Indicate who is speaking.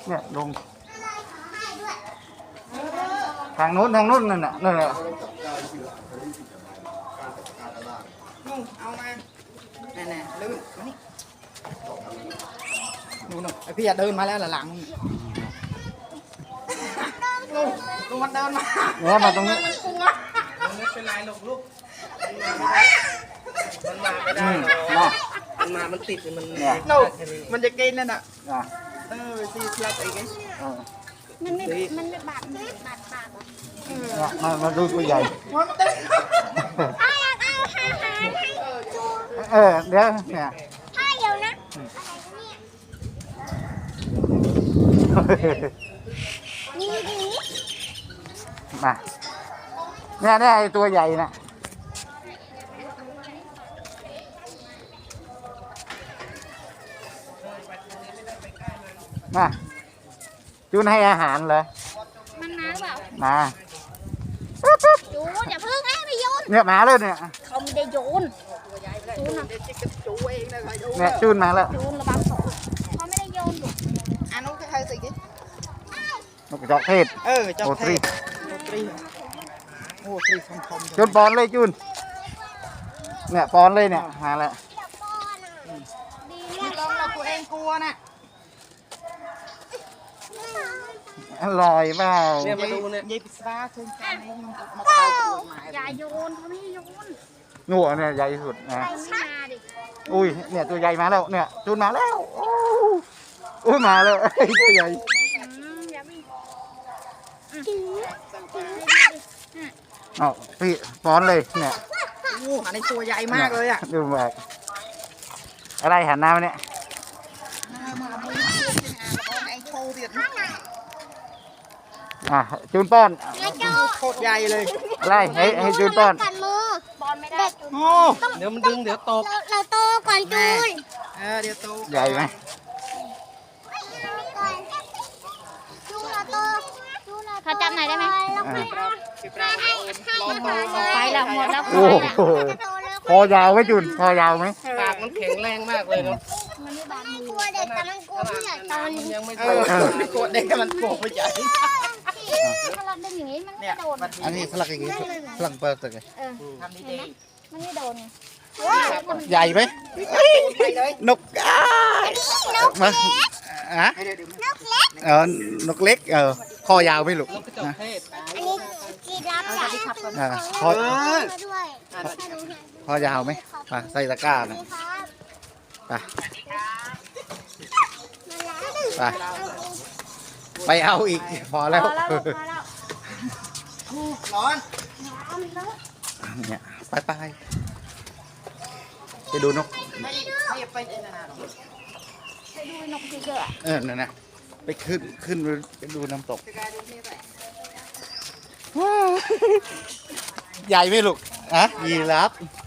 Speaker 1: เนี่ยลงทางนู้นนั่นน่ะนั่นน่ะ
Speaker 2: เอามาแน่ๆลื่นมานี่นู่นไอพี่เดินมาแล้วหลังลุงมันเดินมา
Speaker 1: เนี่ยมาตรงนี้
Speaker 2: มันคุ้งอ่ะไม่เป็นไรหรอกลูกมันมาไม่ได้มันติดมันจะกินนั่นน่ะซีเทียบอีก
Speaker 3: มันไม่บาด
Speaker 1: มาดูตัวใหญ่เดี๋ยวเนี่ย
Speaker 3: ถ้าเดียวนะนี่ดี
Speaker 1: มาเนี่ยไอตัวใหญ่น่ะมาจูนให้อาหารเหรอ
Speaker 3: มันมาหรือเปล่า
Speaker 1: มา
Speaker 3: จูนอย่าเพิ่งให้ไปโยน
Speaker 1: เนี่ยมาแล้วเนี่ย
Speaker 3: เขาไม่ได้โยนจูน
Speaker 1: เนี่ยจูนมาแล้ว
Speaker 3: จูนระวังเขาไม่ได้โยนอยู่
Speaker 2: นุ๊กจะใครสิกิ๊
Speaker 1: นกจอกเทศ
Speaker 2: จอกเทศโอ้ตรีคม
Speaker 1: จูนปอนเลยจูนเนี่ยปอนเลยเนี่ยหาแล้ว
Speaker 2: ดีลองเราตัวเองกลัวน่ะ
Speaker 1: อร่อยเปล่า
Speaker 2: เนี่ยมาดูเนี่ยยายปิศาจเชิญกันเองมาเข้าตัวหมาย
Speaker 3: อย่าโยนเขาไม่โยน
Speaker 1: งัวเนี่ยใหญ่สุดนะอุ้ยเนี่ยตัวใหญ่มาแล้วเนี่ยจูนมาแล้วอุ้ยมาแล้วตัวใหญ่เอาพี่ป้อนเลยเนี่ย
Speaker 2: อันนี้ตัวใหญ่มากเลยอ่ะ
Speaker 1: ดูแบบอะไรหันหน้ามาเนี่ยจูนป้อน
Speaker 2: โคตรใหญ่เลย
Speaker 1: อะไรให้จูนป้อน
Speaker 3: ป้อนไม่ได้
Speaker 2: โอ้เดี๋ยวมันดึงเดี๋ยวตก
Speaker 3: เราโตก่อนจูน
Speaker 2: เดี๋ยวโต
Speaker 1: ใหญ่ไหม
Speaker 3: เขาจำไหนได้ไหมไปแล้วหมดแล้ว
Speaker 1: โอ้โหคอยาวไหมจูนคอยาวไหม
Speaker 2: ปากมันแข็งแรงมากเลยเนาะ
Speaker 3: มันไม่บาดกลัวเด็กแต่มันกลัวผู้ใหญ่ตอนนี้
Speaker 2: ยังไม่กลัวเด็กมันกลัวผู้ใหญ่
Speaker 3: ถ้าเราดึงอย่างนี้มันไม่โดน
Speaker 1: อันนี้สลักอย่างนี้สลักเปิดเลย
Speaker 2: ทำดี
Speaker 3: ๆมันไม่โดน
Speaker 1: ใหญ่ไหมนกมา
Speaker 3: นกเล็ก
Speaker 1: นกเล็กคอยาวไหมลูก
Speaker 2: นะ
Speaker 3: อันนี้กีรับใหญ่
Speaker 1: คอยาวไหมมาใส่ตะกร้านะไปเอาอีกพอแล้ว
Speaker 2: ร้อน
Speaker 1: เนี่ยไปดูนก
Speaker 2: ไม่ไปนาน
Speaker 3: ไปดูนกเยอะ
Speaker 1: นั่นนะไปขึ้นไปดูน้ำตกใหญ่ไหมลูกยีราฟ